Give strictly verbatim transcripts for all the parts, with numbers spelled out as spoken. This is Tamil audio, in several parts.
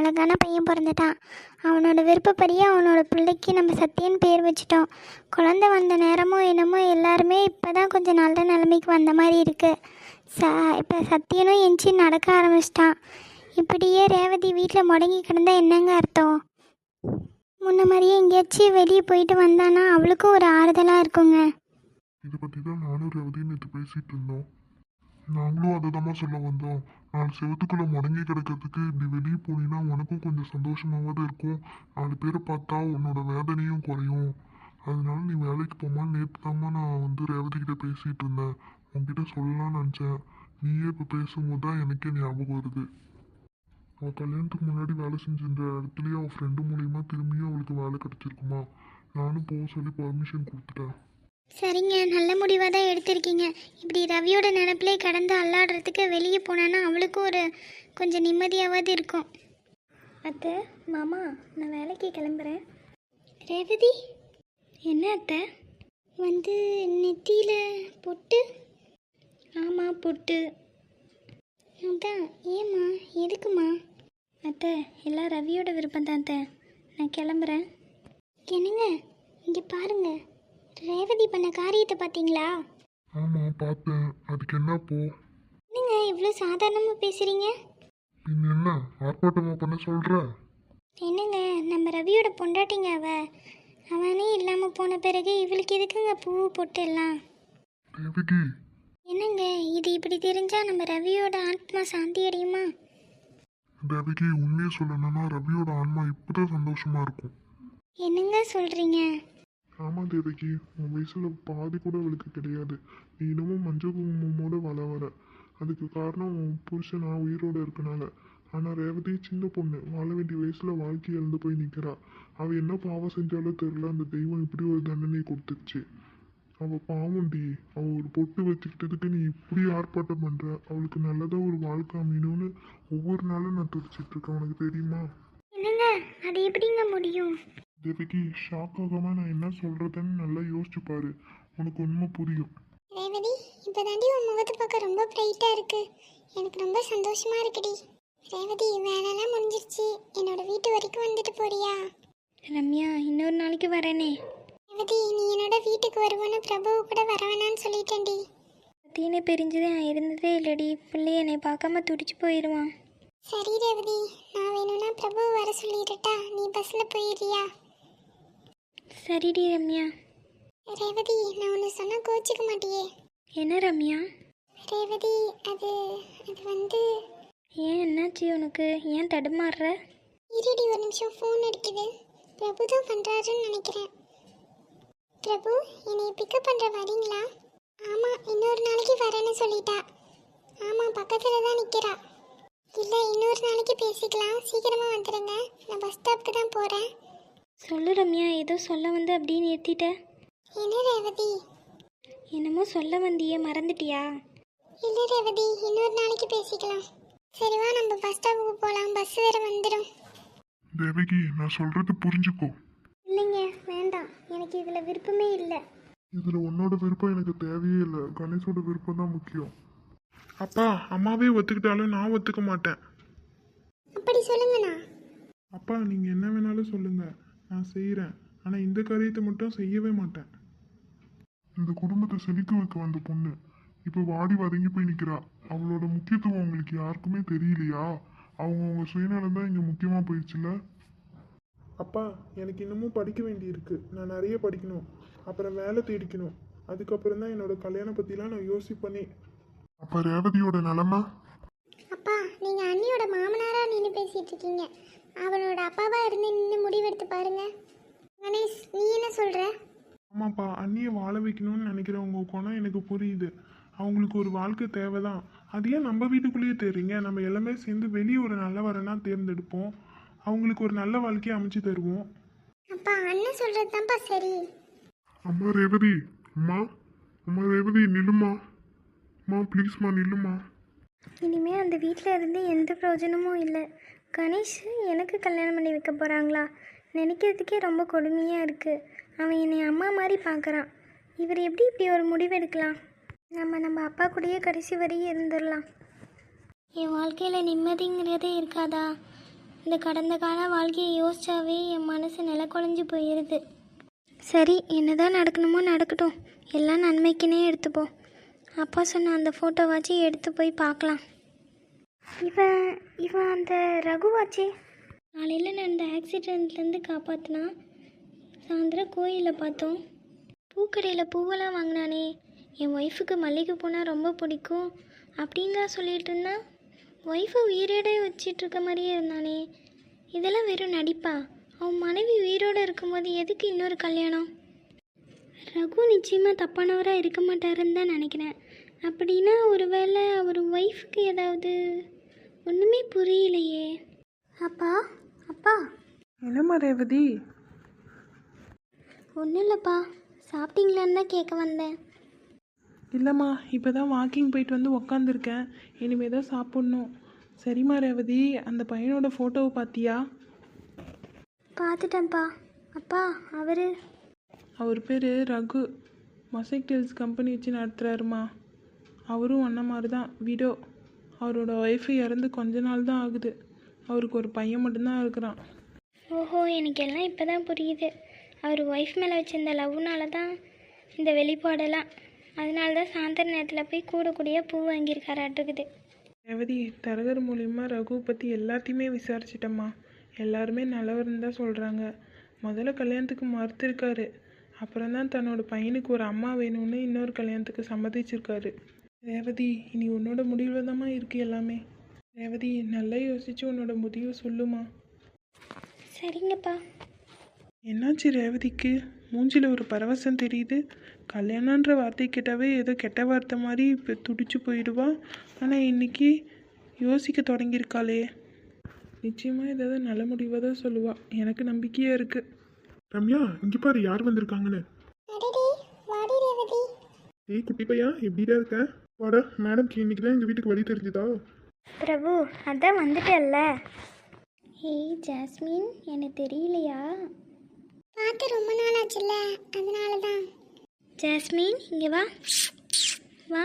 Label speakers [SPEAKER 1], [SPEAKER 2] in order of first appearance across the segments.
[SPEAKER 1] அழகான பையன் பிறந்துட்டான். அவனோட விருப்பப்படியே அவனோட பிள்ளைக்கு நம்ம சத்தியன் பேர் வச்சிட்டோம். குழந்தை வந்த நேரமோ என்னமோ எல்லாருமே இப்போ தான் கொஞ்சம் நல்ல நிலைமைக்கு வந்த மாதிரி இருக்குது. ச இப்போ சத்தியனும் எஞ்சி நடக்க ஆரம்பிச்சிட்டான். இப்படியே ரேவதி வீட்டில் முடங்கி கிடந்தா என்னங்க அர்த்தம்? முன்ன மாதிரியே எங்கேயாச்சும் வெளியே போயிட்டு வந்தானா அவளுக்கும் ஒரு ஆறுதலாக இருக்குங்க.
[SPEAKER 2] இதை பற்றி தான் நானும் ரேவதியும் நேற்று பேசிகிட்டு இருந்தோம். நாங்களும் அதை தான் சொல்ல வந்தோம். நாலு செவத்துக்குள்ளே முடங்கி கிடக்கிறதுக்கு இப்படி வெளியே போனீங்கன்னா உனக்கும் கொஞ்சம் சந்தோஷமாவது இருக்கும். நாலு பேரை பார்த்தா உன்னோட வேதனையும் குறையும். அதனால நீ வேலைக்கு போமா. நேற்று தாம்மா நான் வந்து ரேவதிக்கிட்ட பேசிகிட்டு இருந்தேன். உன்கிட்ட சொல்லலாம்னு நினச்சேன். நீயே இப்போ பேசும்போது தான் எனக்கே ஞாபகம் வருது. அவள் கல்யாணத்துக்கு முன்னாடி வேலை செஞ்சிருந்த இடத்துலையே அவள் ஃப்ரெண்டு மூலியமா திரும்பியும் அவளுக்கு வேலை கிடச்சிருக்குமா. நானும் போக சொல்லி பர்மிஷன் கொடுத்துட்டேன்.
[SPEAKER 1] சரிங்க, நல்ல முடிவாக தான் எடுத்திருக்கீங்க. இப்படி ரவியோட நினப்பிலே கடந்து அல்லாடுறதுக்கு வெளியே போனான்னா அவளுக்கும் ஒரு கொஞ்சம் நிம்மதியாவது இருக்கும்.
[SPEAKER 3] அத்தை, மாமா, நான் வேலைக்கு கிளம்புறேன்.
[SPEAKER 1] ரேவதி, என்ன அத்தை? வந்து நெத்தியில் பொட்டு?
[SPEAKER 3] ஆமாம், பொட்டு.
[SPEAKER 1] அதான், ஏம்மா, எதுக்குமா?
[SPEAKER 3] அத்தை, எல்லாம் ரவியோட விருப்பம் தான் அத்தை. நான் கிளம்புறேன்.
[SPEAKER 1] என்னங்க, இங்கே பாருங்க, ரேவதி பண்ண காரியத்தை பார்த்தீங்களா?
[SPEAKER 2] ஆமாம் பார்த்தேன். அதுக்கு என்ன போ?
[SPEAKER 1] என்னங்க இவ்வளோ சாதாரணமாக பேசுகிறீங்க?
[SPEAKER 2] பின் என்ன ஆர்ப்பாட்டமாக பண்ண சொல்கிற?
[SPEAKER 1] என்னங்க, நம்ம ரவியோட பொண்டாட்டிங்க அவ. அவனே இல்லாமல் போன பிறகு இவளுக்கு எதுக்குங்க பூ பொட்டு எல்லாம்?
[SPEAKER 2] தேவகி,
[SPEAKER 1] என்னங்க இது இப்படி தெரிஞ்சால் நம்ம ரவியோட ஆத்மா சாந்தி அடையுமா?
[SPEAKER 2] தேவகி, உண்மையை சொல்லணும்னா ரவியோட ஆன்மா இப்போதான் சந்தோஷமா இருக்கும்.
[SPEAKER 1] என்னங்க சொல்கிறீங்க?
[SPEAKER 2] ஆமாம் தேவகி, உன் வயசுல பாதி கூட அவளுக்கு கிடையாது. நீ இன்னமும் மஞ்சள் குங்குமமோட வள வர. அதுக்கு காரணம் உன் புருஷன் நான் உயிரோடு இருக்கனால. ஆனால் ரேவதி சின்ன பொண்ணு, வாழ வேண்டிய வயசுல வாழ்க்கை இழந்து போய் நிற்கிறா. அவள் என்ன பாவம் செஞ்சாலும் தெரில, அந்த தெய்வம் இப்படி ஒரு தண்டனை கொடுத்துருச்சு. அவள் பாவம்டி. அவள் ஒரு பொட்டு வச்சுக்கிட்டதுக்கு நீ இப்படி ஆர்ப்பாட்டம் பண்ணுற. அவளுக்கு நல்லதாக ஒரு வாழ்க்கை அமையணும்னு ஒவ்வொரு நாளும் நான் துடிச்சிட்டு இருக்கேன். உனக்கு தெரியுமா?
[SPEAKER 1] என்னங்க அது எப்படிங்க முடியும்?
[SPEAKER 2] தேவகி, ஷாக் ஆகாம நான் என்ன சொல்றதுன்னு நல்லா யோசிச்சு பாரு. உனக்கு உண்மை புரியும்.
[SPEAKER 1] ரேவதி, இப்போ தாண்டி உன் முகத்தை பார்க்க ரொம்ப பிரைட்டாக இருக்கு. எனக்கு ரொம்ப சந்தோஷமா இருக்குடி. ரேவதி, வேலைலாம் முடிஞ்சிருச்சு. என்னோட வீட்டு வரைக்கும் வந்துட்டு போறியா?
[SPEAKER 3] ரம்யா, இன்னொரு நாளைக்கு வரேனே.
[SPEAKER 1] ரேவதி, நீ என்னோட வீட்டுக்கு வருவோன்னு பிரபுவை கூட வர வேணான்னு சொல்லிட்டேன்டி.
[SPEAKER 3] சத்தியனை பிரிஞ்சதே நான் இருந்ததே இல்லடி. பிள்ளை என்னை பார்க்காம துடிச்சு போயிடுவான்.
[SPEAKER 1] சரி ரேவதி, நான் வேணும்னா பிரபுவை வர சொல்லிடட்டா? நீ பஸ்ஸில் போயிடுறியா?
[SPEAKER 3] சரிடி ரம்யா.
[SPEAKER 1] ரேவதி, நான் ஒன்று சொன்னால் கோச்சிக்க மாட்டியே?
[SPEAKER 3] என்ன ரம்யா?
[SPEAKER 1] ரேவதி, அது அது வந்து
[SPEAKER 3] ஏன், என்னாச்சு உனக்கு? ஏன் தடுமாறுற?
[SPEAKER 1] இருடி, ஒரு நிமிஷம், ஃபோன் அடிக்குது. பிரபு தான் பண்ணுறாருன்னு நினைக்கிறேன். பிரபு, என்னை பிக்கப் பண்ணுற வரீங்களா? ஆமாம், இன்னொரு நாளைக்கு வரேன்னு சொல்லிட்டா. ஆமாம், பக்கத்தில் தான் நிற்கிறா. இல்லை, இன்னொரு நாளைக்கு பேசிக்கலாம். சீக்கிரமாக வந்துடுங்க. நான் பஸ் ஸ்டாப்புக்கு தான் போகிறேன்.
[SPEAKER 3] சொல்லு ரம்யா, ஏதோ சொல்ல வந்து அப்படியே நிறுத்திட்ட.
[SPEAKER 1] என்ன ரேவதி?
[SPEAKER 3] என்னமோ சொல்ல வந்தியே, மறந்துட்டியா?
[SPEAKER 1] இல்லை ரேவதி, இன்னொரு நாளைக்கு பேசிக்கலாம். சரிவா, நம்ம பஸ் ஸ்டாப்புக்கு போகலாம். பஸ் வேறு வந்துடும்.
[SPEAKER 2] தேவகி, நான் சொல்றது புரிஞ்சுக்கோ.
[SPEAKER 1] இல்லைங்க, வேண்டாம். எனக்கு இதில் விருப்பமே இல்லை.
[SPEAKER 2] இதுல உன்னோட விருப்பம் எனக்கு தேவையே இல்லை. கணேஷோட விருப்பம் தான் முக்கியம். அப்பா, அம்மாவே ஒத்துக்கிட்டாலும் நான் ஒத்துக்க மாட்டேன்.
[SPEAKER 1] அப்படி சொல்லுங்கண்ணா.
[SPEAKER 2] அப்பா, நீங்க என்ன வேணாலும் சொல்லுங்க, நான் செய்கிறேன். ஆனால் இந்த காரியத்தை மட்டும் செய்யவே மாட்டேன். இந்த குடும்பத்தை செழிக்க வைக்க வந்த பொண்ணு இப்போ வாடி வதங்கி போய் நிற்கிறா. அவளோட முக்கியத்துவம் உங்களுக்கு யாருக்குமே தெரியலையா? அவங்க அவங்க சுயநலம் தான் இங்கே முக்கியமாக போயிடுச்சுல. அப்பா, எனக்கு இன்னமும் படிக்க வேண்டியிருக்கு. நான் நிறைய படிக்கணும். அப்புறம் வேலை தேடிக்கணும். அதுக்கப்புறம் தான் என்னோட கல்யாணம் பற்றிலாம் நான் யோசிப்பேனே. அப்போ ரேவதியோட நிலமை?
[SPEAKER 1] அப்பா, நீங்கள் அண்ணியோட மாமனாராக நின்று பேசிகிட்டு இருக்கீங்க. அவளோட அப்பாவாக இருந்து நின்று முடிவெடுத்து பாருங்க. கணேஷ், நீ என்ன சொல்கிற?
[SPEAKER 2] ஆமாப்பா, அண்ணியை வாழ வைக்கணும்னு நினைக்கிறவங்க குணம் எனக்கு புரியுது. அவங்களுக்கு ஒரு வாழ்க்கை தேவைதான். அதையே நம்ம வீட்டுக்குள்ளேயே தேடுறீங்க. நம்ம எல்லாமே சேர்ந்து வெளியே ஒரு நல்ல வரனா தேர்ந்தெடுப்போம். அவங்களுக்கு ஒரு நல்ல வாழ்க்கையை அமைச்சு தருவோம்.
[SPEAKER 1] அப்பா, அண்ணன் சொல்கிறது தான்ப்பா சரி.
[SPEAKER 2] அம்மா ரேவதி, அம்மா அம்மா ரேவதி, நில்லுமா. அம்மா ப்ளீஸ்மா, நில்லுமா.
[SPEAKER 3] இனிமேல் அந்த வீட்டில் இருந்து எந்த பிரயோஜனமும் இல்லை. கணேஷ் எனக்கு கல்யாணம் பண்ணி வைக்க போகிறாங்களா? நினைக்கிறதுக்கே ரொம்ப கொடுமையாக இருக்குது. அவன் என்னை அம்மா மாதிரி பார்க்குறான். இவர் எப்படி இப்படி ஒரு முடிவு எடுக்கலாம்? நம்ம நம்ம அப்பா கூடயே கடைசி வரையும் இருந்துடலாம். என் வாழ்க்கையில் நிம்மதிங்கிறதே இருக்காதா? இந்த கடந்த கால வாழ்க்கையை யோசிச்சாவே என் மனசு நில குழஞ்சி போயிடுது. சரி, என்னதான் நடக்கணுமோ நடக்கட்டும், எல்லாம் நன்மைக்குன்னே எடுத்துப்போம். அப்பா சொன்ன அந்த ஃபோட்டோவாச்சும் எடுத்து போய் பார்க்கலாம். இவன் இவன் அந்த ரகுவாச்சே, காலையில் நடந்த ஆக்சிடெண்ட்லேருந்து காப்பாற்றினா. சாயந்தரம் கோயிலில் பார்த்தோம், பூக்கடையில் பூவெல்லாம் வாங்கினானே. என் ஒய்ஃபுக்கு மல்லிகை பூனா ரொம்ப பிடிக்கும் அப்படின்னு தான் சொல்லிகிட்டு இருந்தான். ஒய்ஃபை உயிரோடு வச்சிட்ருக்க மாதிரியே இருந்தானே. இதெல்லாம் வெறும் நடிப்பா? அவன் மனைவி உயிரோடு இருக்கும்போது எதுக்கு இன்னொரு கல்யாணம்? ரகு நிச்சயமாக தப்பானவராக இருக்க மாட்டாருன்னு தான் நினைக்கிறேன். அப்படின்னா ஒரு வேளை அவர் ஒய்ஃபுக்கு ஏதாவது ஒன்றுமே புரியலையே. அப்பா அப்பா
[SPEAKER 4] என்னம்மா ரேவதி?
[SPEAKER 3] ஒன்றும் இல்லைப்பா, சாப்பிட்டீங்களான்னு தான் கேட்க வந்தேன்.
[SPEAKER 4] இல்லைம்மா, இப்போ தான் வாக்கிங் போயிட்டு வந்து உக்காந்துருக்கேன். இனிமே தான் சாப்பிட்ணும். சரிம்மா ரேவதி, அந்த பையனோட ஃபோட்டோவை பார்த்தியா?
[SPEAKER 3] பார்த்துட்டேன்ப்பா. அப்பா அவர்
[SPEAKER 4] அவர் பேர் ரகு, மொசைக் டெல்ஸ் கம்பெனி வச்சு நடத்துகிறாருமா. அவரும் அண்ணன் மாதிரி தான், விடோ. அவரோட ஒய்ஃபு இறந்து கொஞ்ச நாள் தான் ஆகுது. அவருக்கு ஒரு பையன் மட்டும்தான் இருக்கிறான்.
[SPEAKER 3] ஓஹோ, எனக்கு எல்லாம் இப்போ தான் புரியுது. அவர் ஒய்ஃப் மேலே வச்சிருந்த லவ்னால தான் இந்த வெளிப்பாடெல்லாம். அதனால தான் சாயந்தர நேரத்தில் போய் கூடக்கூடிய பூ வாங்கியிருக்காராட்டுக்குது.
[SPEAKER 4] ரேவதி, தரகர் மூலியமாக ரகு பற்றி எல்லாத்தையுமே விசாரிச்சிட்டம்மா. எல்லாருமே நல்லவர்னு தான் சொல்கிறாங்க. முதல்ல கல்யாணத்துக்கு மறுத்திருக்காரு, அப்புறம் தான் தன்னோட பையனுக்கு ஒரு அம்மா வேணும்னு இன்னொரு கல்யாணத்துக்கு சம்மதிச்சிருக்காரு. ரேவதி, இனி உன்னோட முடிவில் தாம்மா இருக்குது எல்லாமே. ரேவதி, நல்லா யோசிச்சு உன்னோட முடிவை சொல்லுமா.
[SPEAKER 3] சரிங்கப்பா.
[SPEAKER 4] என்னாச்சு ரேவதிக்கு? மூஞ்சில் ஒரு பரவசம் தெரியுது. கல்யாணன்ற வார்த்தை கேட்டாவே ஏதோ கெட்ட வார்த்தை மாதிரி இப்போ துடிச்சு போயிடுவா. ஆனால் இன்னைக்கு யோசிக்க தொடங்கியிருக்காளே. நிச்சயமாக ஏதாவது நல்ல முடிவாக தான் சொல்லுவா. எனக்கு நம்பிக்கையாக இருக்குது.
[SPEAKER 2] ரம்யா, இங்கே பாரு யார் வந்திருக்காங்கன்னு. ஏய் குட்டி பையா, எப்படிடா இருக்க? வாடா, மேடம்க்கு இன்னைக்கு தான் எங்கள் வீட்டுக்கு வழி தெரிஞ்சுதா?
[SPEAKER 3] பிரபு, அதான் வந்துட்டல்ல. ஏய் ஜாஸ்மின், எனக்கு தெரியலையா?
[SPEAKER 1] பார்த்து ரொம்ப நாள் ஆச்சுல்ல, அதனால தான்.
[SPEAKER 3] ஜாஸ்மின், இங்கே வா வா.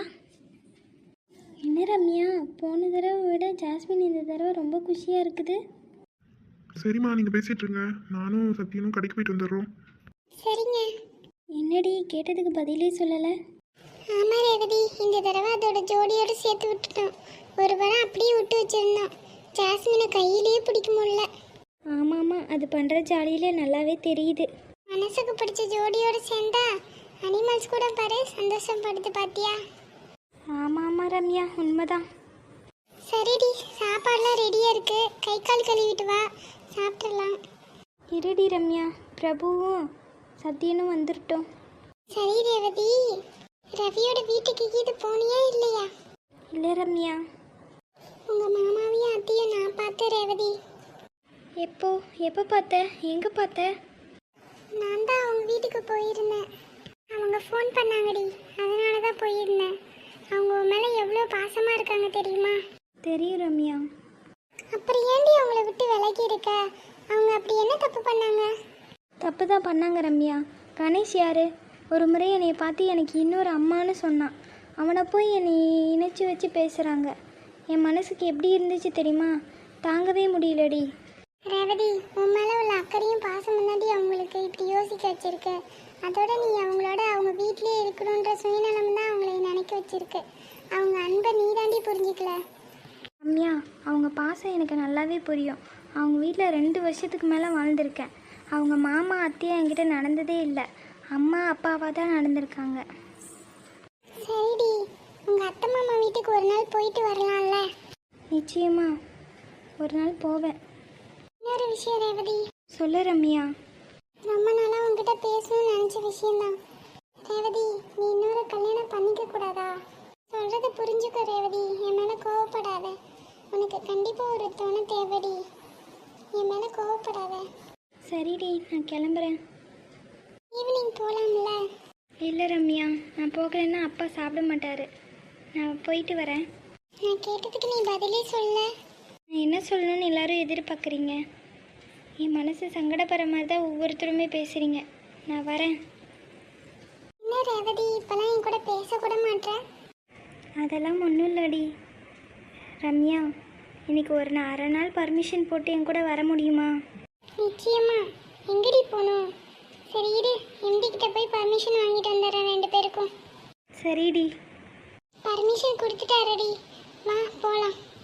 [SPEAKER 3] என்ன ரம்யா, போன தடவை விட ஜாஸ்மின் இந்த தடவை ரொம்ப குஷியாக இருக்குது.
[SPEAKER 2] சரிம்மா, நீங்கள் பேசிட்டு இருங்க, நானும் சத்தியனும் கடைக்கு போயிட்டு வந்துடுறோம்.
[SPEAKER 1] சரிங்க.
[SPEAKER 3] என்னடி, கேட்டதுக்கு பதிலே சொல்லலை?
[SPEAKER 1] ஆமாம் ரேவதி, இந்த தடவை அதோட ஜோடியோடு சேர்த்து விட்டுட்டோம். ஒரு வாரம் அப்படியே விட்டு வச்சிருந்தோம். ஜாஸ்மினை கையிலேயே பிடிக்க முடியல.
[SPEAKER 3] ஆமாம் ஆமாம், அது பண்ணுற ஜாலியில நல்லாவே தெரியுது.
[SPEAKER 1] மனசுக்கு பிடிச்ச ஜோடியோடு சேர்ந்தா அனிமல்ஸ் கூட பாரு சந்தோஷப்படுது, பாத்தியா?
[SPEAKER 3] ஆமாம் ஆமாம் ரம்யா, உண்மைதான்.
[SPEAKER 1] சரிடி, சாப்பாடுலாம் ரெடியாக இருக்கு. கை கால் கழுவிட்டு வா, சாப்பிட்றலாம்.
[SPEAKER 3] இருடி ரம்யா, பிரபுவும் சத்யனும் வந்துருட்டோம்.
[SPEAKER 1] சரி ரேவதி, ரவியோட வீட்டுக்கு இது போனியா இல்லையா?
[SPEAKER 3] இல்லை ரம்யா.
[SPEAKER 1] உங்கள் மாமாவையும் அத்தையும் நான் பார்த்தேன் ரேவதி.
[SPEAKER 3] எப்போ எப்போ பார்த்த? எங்கே பார்த்த?
[SPEAKER 1] நான் தான் அவங்க வீட்டுக்கு போயிருந்தேன். அவங்க ஃபோன் பண்ணாங்கடி, அதனால தான் போயிருந்தேன். அவங்க உன் மேலே எவ்வளோ பாசமாக இருக்காங்க தெரியுமா?
[SPEAKER 3] தெரியும் ரம்யா.
[SPEAKER 1] அப்புறம் ஏண்டி அவங்கள விட்டு விலகி இருக்க? அவங்க அப்படி என்ன தப்பு பண்ணாங்க?
[SPEAKER 3] தப்பு தான் பண்ணாங்க ரம்யா. கணேஷ் யாரு? ஒரு முறை என்னை பார்த்து எனக்கு இன்னொரு அம்மான்னு சொன்னான். அவனை போய் என்னை இணைச்சி வச்சு பேசுகிறாங்க. என் மனசுக்கு எப்படி இருந்துச்சு தெரியுமா? தாங்கவே முடியலடி.
[SPEAKER 1] ரேவதி, உன் மேலே உள்ள அக்கறையும் பாசம் முன்னாடி அவங்களுக்கு இப்படி யோசிக்க வச்சிருக்கு. அதோட நீ அவங்களோட அவங்க வீட்லேயே இருக்கணுன்ற சுயநலம் தான் அவங்களை நினைக்க வச்சிருக்கு. அவங்க அன்பை நீ தாண்டி புரிஞ்சிக்கல.
[SPEAKER 3] ரம்யா, அவங்க பாசம் எனக்கு நல்லாவே புரியும். அவங்க வீட்டில் ரெண்டு வருஷத்துக்கு மேலே வாழ்ந்திருக்கேன். அவங்க மாமா அத்தையா என்கிட்ட நடந்ததே இல்லை. அம்மா அப்பாவாக தான் நடந்திருக்காங்க.
[SPEAKER 1] சரிடி, உங்கள் அத்தை மாமா வீட்டுக்கு ஒரு நாள் போயிட்டு வரலாம்ல?
[SPEAKER 3] நிச்சயமா ஒரு நாள் போவேன்.
[SPEAKER 1] இன்னொரு விஷயம் ரேவதி.
[SPEAKER 3] சொல்லு ரம்யா.
[SPEAKER 1] ரொம்ப நாளாக உங்ககிட்ட பேசணும்னு நினச்ச விஷயம்தான். ரேவதி, நீ இன்னொரு கல்யாணம் பண்ணிக்க கூடாதா? சொல்கிறத புரிஞ்சுக்கோ ரேவதி, என் மேலே கோவப்படாத. உனக்கு கண்டிப்பாக ஒரு துணை தேவடி. என் மேலே கோவப்படாத.
[SPEAKER 3] சரிடி, நான் கிளம்புறேன்.
[SPEAKER 1] ஈவினிங் போகலாம்ல?
[SPEAKER 3] இல்லை ரம்யா, நான் போகலைன்னா அப்பா சாப்பிட மாட்டார். நான் போயிட்டு வரேன்.
[SPEAKER 1] நான் கேட்டதுக்கு நீ பதிலே சொல்ல.
[SPEAKER 3] நான் என்ன சொல்லணும்னு எல்லாரும் எதிர்பார்க்குறீங்க? என் மனசு சங்கடப்படுற மாதிரி தான் ஒவ்வொருத்தருமே பேசுகிறீங்க. நான் வரேன்.
[SPEAKER 1] என்ன ரேவதி, இப்போலாம் என் கூட பேசக்கூட மாட்டேன்?
[SPEAKER 3] அதெல்லாம் ஒன்றும் இல்லடி ரம்யா. இன்னைக்கு ஒரு நா- அரை நாள் பர்மிஷன் போட்டு என் கூட வர முடியுமா?
[SPEAKER 1] நிச்சயமா. எங்கடி போகணும்? சரி இரு, எம்டி கிட்ட போய் பர்மிஷன் வாங்கிட்டு வந்துடுறேன் ரெண்டு பேருக்கும்.
[SPEAKER 3] சரிடி.
[SPEAKER 1] பர்மிஷன் கொடுத்துட்டாரடி, வா போகலாம்.